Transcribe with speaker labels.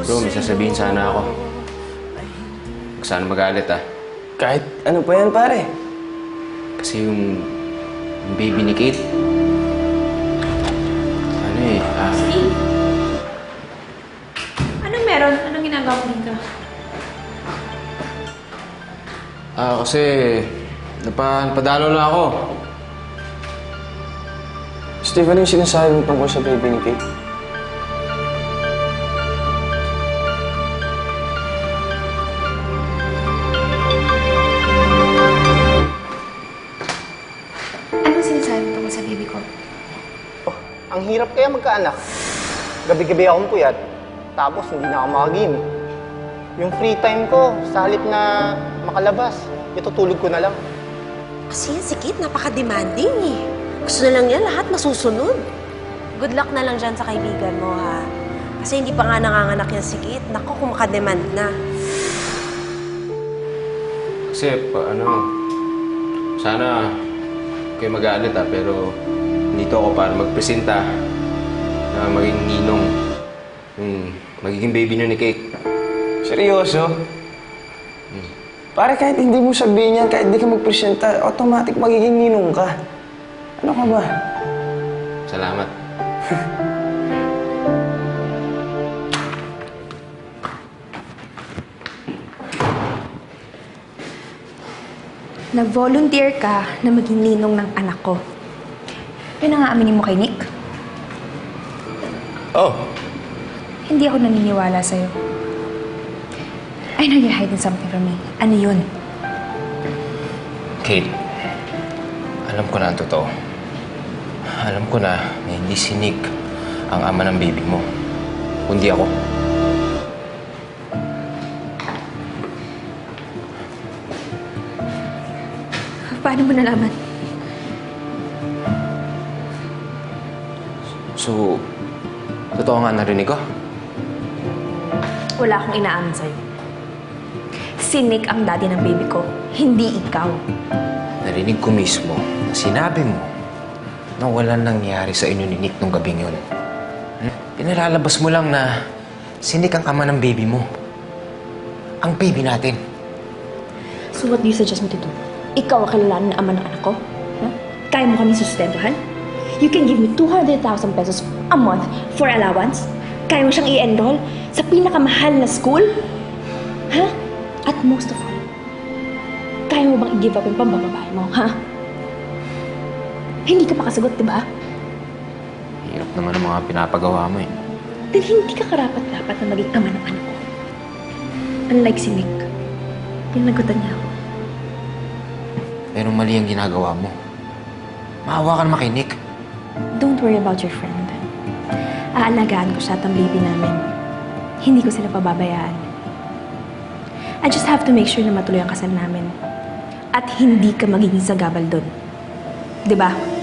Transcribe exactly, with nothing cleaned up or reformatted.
Speaker 1: Bro, may sasabihin sana ako. Huwag sana magalit ah.
Speaker 2: Kahit ano pa yan, pare.
Speaker 1: Kasi yung, yung baby ni Kate, ano eh, ah...
Speaker 3: Steve! Anong meron? Anong ginagawa mo dito?
Speaker 1: Ah, kasi napa, napadalo na ako.
Speaker 2: Steve, ano yung sinasabi mo tungkol sa baby ni Kate?
Speaker 3: Anong sinasabi mo tungkol sa baby ko?
Speaker 4: Oh, ang hirap kaya magkaanak. Gabi-gabi akong puyat, tapos hindi na ako makagame. Yung free time ko, sa halip na makalabas, itutulog ko na lang.
Speaker 5: Kasi yan si Kate, napaka-demanding eh. Gusto na lang niya lahat masusunod. Good luck na lang dyan sa kaibigan mo, ha? Kasi hindi pa nga nanganganak yan si Kate. Naku, kung makademand na.
Speaker 1: Kasi, pa, ano, sana kayo mag-aalit ah, pero dito ako para magpresenta na maging ninong yung magiging baby nyo ni Kate.
Speaker 2: Seryoso?
Speaker 1: Hmm.
Speaker 2: Pare, kahit hindi mo sabihin yan, kahit di ka magpresenta, automatic magiging ninong ka. Ano ka ba?
Speaker 1: Salamat.
Speaker 3: Nag-volunteer ka na maging ninong ng anak ko. Yun ang aaminin mo kay Nick?
Speaker 1: Oh,
Speaker 3: Hindi ako naniniwala sa'yo. I know you're hiding something from me. Ano yun?
Speaker 1: Kate, alam ko na ang totoo. Alam ko na na hindi si Nick ang ama ng baby mo, kundi ako.
Speaker 3: Paano mo nalaman?
Speaker 1: So, totoo nga narinig ko?
Speaker 3: Wala akong inaamin sa'yo. Si Nick ang daddy ng baby ko, hindi ikaw.
Speaker 1: Narinig ko mismo na sinabi mo na walang nangyari sa inyo ni Nick nung gabing yun. Hmm? Pinalalabas mo lang na si Nick ang ama ng baby mo. Ang baby natin.
Speaker 3: So what do you suggest me to do? Ikaw ang kilalanin na ama ng anak ko? Huh? Kaya mo kami sustentuhan? You can give me two hundred thousand pesos a month for allowance? Kaya mo siyang i-enroll sa pinakamahal na school? Ha? Huh? At most of all, kaya mo bang i-give up yung pambababae mo, ha? Hindi ka makasagot, di ba?
Speaker 1: Hirap naman ang mga pinapagawa mo eh.
Speaker 3: Dahil hindi ka karapat-dapat na maging ama ng anak ko. Unlike si Nick, pinagutan niya ako.
Speaker 1: Pero mali ang ginagawa mo. Maawa ka naman kay Nick.
Speaker 3: Don't worry about your friend. Aalagaan ko siya at ang baby namin. Hindi ko sila pababayaan. I just have to make sure na matuloy ang kasal namin. At hindi ka magiging sagabal doon. Di ba?